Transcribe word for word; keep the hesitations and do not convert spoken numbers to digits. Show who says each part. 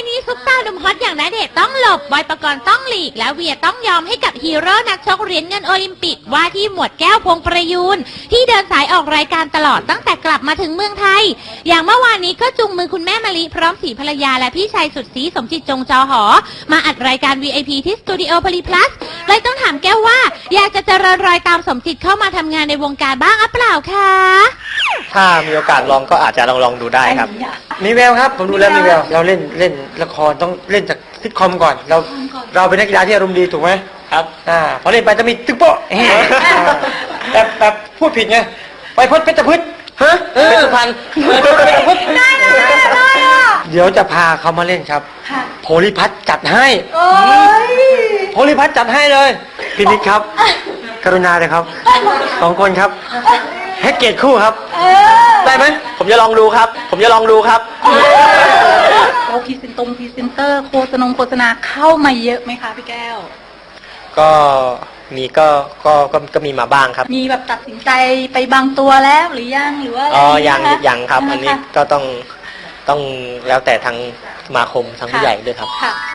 Speaker 1: นี้ซุปตาหนุ่มฮอตอย่างณเดชน์ต้องหลบบอยปกรณ์ต้องหลีกและเวียต้องยอมให้กับฮีโร่นักชกเหรียญเงินโอลิมปิกว่าที่หมวดแก้วพงประยูนที่เดินสายออกรายการตลอดตั้งแต่กลับมาถึงเมืองไทยอย่างเมื่อวานนี้ก็จุงมือคุณแม่มะลิพร้อมสีภรรยาและพี่ชายสุดสีสมจิตจงจอหอมาอัดรายการ วี ไอ พี ที่สตูดิโอพลีพลัสเลยต้องถามแก้วว่าอยากจะเจริญรอยตามสมจิตเข้ามาทำงานในวงการบ้างหรือเปล่าคะ
Speaker 2: ถ้ามีโอกาสลองก็อาจจะลองลองดูได้ครับ
Speaker 3: มีแววครับผมดูแล้วมีแววเราเล่นเล่นละครต้องเล่นจากซิทคอมก่อนเราเราเป็นนักกีฬาที่อารมณ์ดีถูกไหม
Speaker 2: ครับ
Speaker 3: อ่าพอเล่นไปจะมีตึกโป๊ะแบบแบบพูดผิดไงไปพดเพชรพืชฮะเพชรพันธุ์ได้ได้เดี๋ยวจะพาเขามาเล่นครับโพลิพัทจัดให้โพลิพัทจัดให้เลยพี่นิกครับกรุณาเลยครับสองคนครับแพ็กเกจคู่ครับได้ไหม
Speaker 2: ผมจะลองดูครับ ผมจะลองดูครับ
Speaker 4: โอ้พรีเซนตงพรีเซนเตอร์โฆษณาโฆษณาเข้ามาเยอะไหมคะพี่แก้ว
Speaker 2: ก็มีก็ก็ก็ก็มีมาบ้างครับ
Speaker 4: มีแบบตัดสินใจไปบางตัวแล้วหรือยังหรือว่า
Speaker 2: อ๋อยังยังครับอันนี้ก็ต้องต้องแล้วแต่ทางสมาคมทางผู้ใหญ่ด้วยครับ